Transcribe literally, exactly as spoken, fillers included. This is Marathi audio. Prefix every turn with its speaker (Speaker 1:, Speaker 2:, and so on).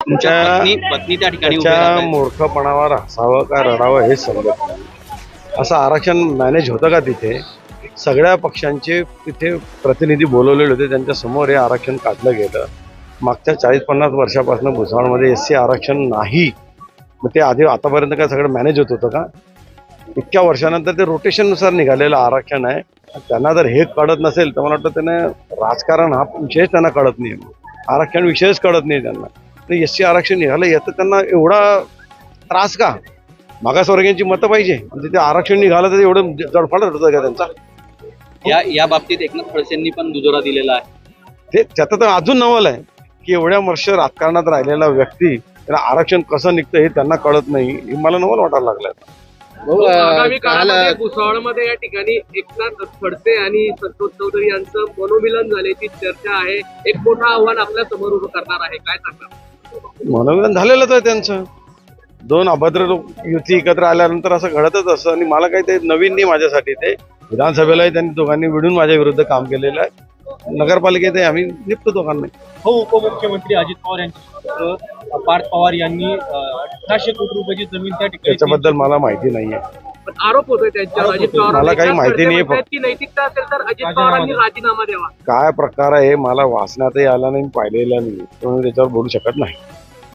Speaker 1: तुमच्या
Speaker 2: त्या-
Speaker 1: पत्नी पत्नी त्या ठिकाणी उभे
Speaker 2: त्याच्या
Speaker 1: राहतात.
Speaker 2: मूर्खपणावर हसावं का रडावं हे समजत नाही. असं आरक्षण मॅनेज होतं का तिथे? सगळ्या पक्षांचे तिथे प्रतिनिधी बोलवलेले होते, त्यांच्या समोर हे आरक्षण काढलं गेलं. मागच्या चाळीस पन्नास वर्षापासून भुसावळमध्ये एस सी आरक्षण नाही. मग ते आधी आतापर्यंत काय सगळं मॅनेज होत होतं का? इतक्या वर्षानंतर ते रोटेशननुसार निघालेलं आरक्षण आहे. त्यांना जर हे कळत नसेल तर मला वाटतं त्यांना राजकारण हा विषयच त्यांना कळत नाही, आरक्षण विषयच कळत नाही त्यांना. एस सी आरक्षण निघालं याचं त्यांना एवढा त्रास का? मागासवर्गीयांची मतं पाहिजे आणि ते आरक्षण निघालं तर एवढं जडफाड होतं का त्यांचा?
Speaker 1: या या बाबतीत एकनाथ खडसेंनी पण दुजोरा दिलेला आहे.
Speaker 2: ते त्याचं तर अजून नवल आहे की एवढ्या वर्ष राजकारणात राहिलेला व्यक्ती त्याला आरक्षण कसं निघतं हे त्यांना कळत नाही. हे मला नवल वाटायला लागलं.
Speaker 3: आगामी काळामध्ये भुसावळमध्ये या ठिकाणी एकनाथ खडसे आणि संतोष चौधरी यांचं मनोमिलन झाल्याची चर्चा आहे. एक मोठं आव्हान आपल्या समोर उभं करणार आहे, काय सांगणार?
Speaker 2: मनोरंजन झालेलंच आहे त्यांचं. दोन अभद्र लोक युती एकत्र आल्यानंतर असं घडतच असतं आणि मला काही ते नवीन नाही माझ्यासाठी. ते विधानसभेलाही त्यांनी दोघांनी मिळून माझ्या विरुद्ध काम केलेलं आहे. नगरपालिकेत आम्ही निपतो दोघांना.
Speaker 4: हो, उपमुख्यमंत्री अजित पवार यांचे पुत्र पार्थ पवार यांनी अठराशे कोटी रुपयाची जमीन त्या ठिकाणी
Speaker 2: त्याच्याबद्दल मला माहिती नाहीये.
Speaker 3: पण आरोप होतोय त्यांच्यावर अजित पवार.
Speaker 2: मला काही माहिती नाहीये.
Speaker 3: की नैतिकता असेल तर अजित पवारांनी राजीनामा द्यावा.
Speaker 2: काय प्रकार आहे मला वाचण्यातही आला नाही, पाहिलेला नाही, त्यामुळे त्याच्यावर बोलू शकत नाही.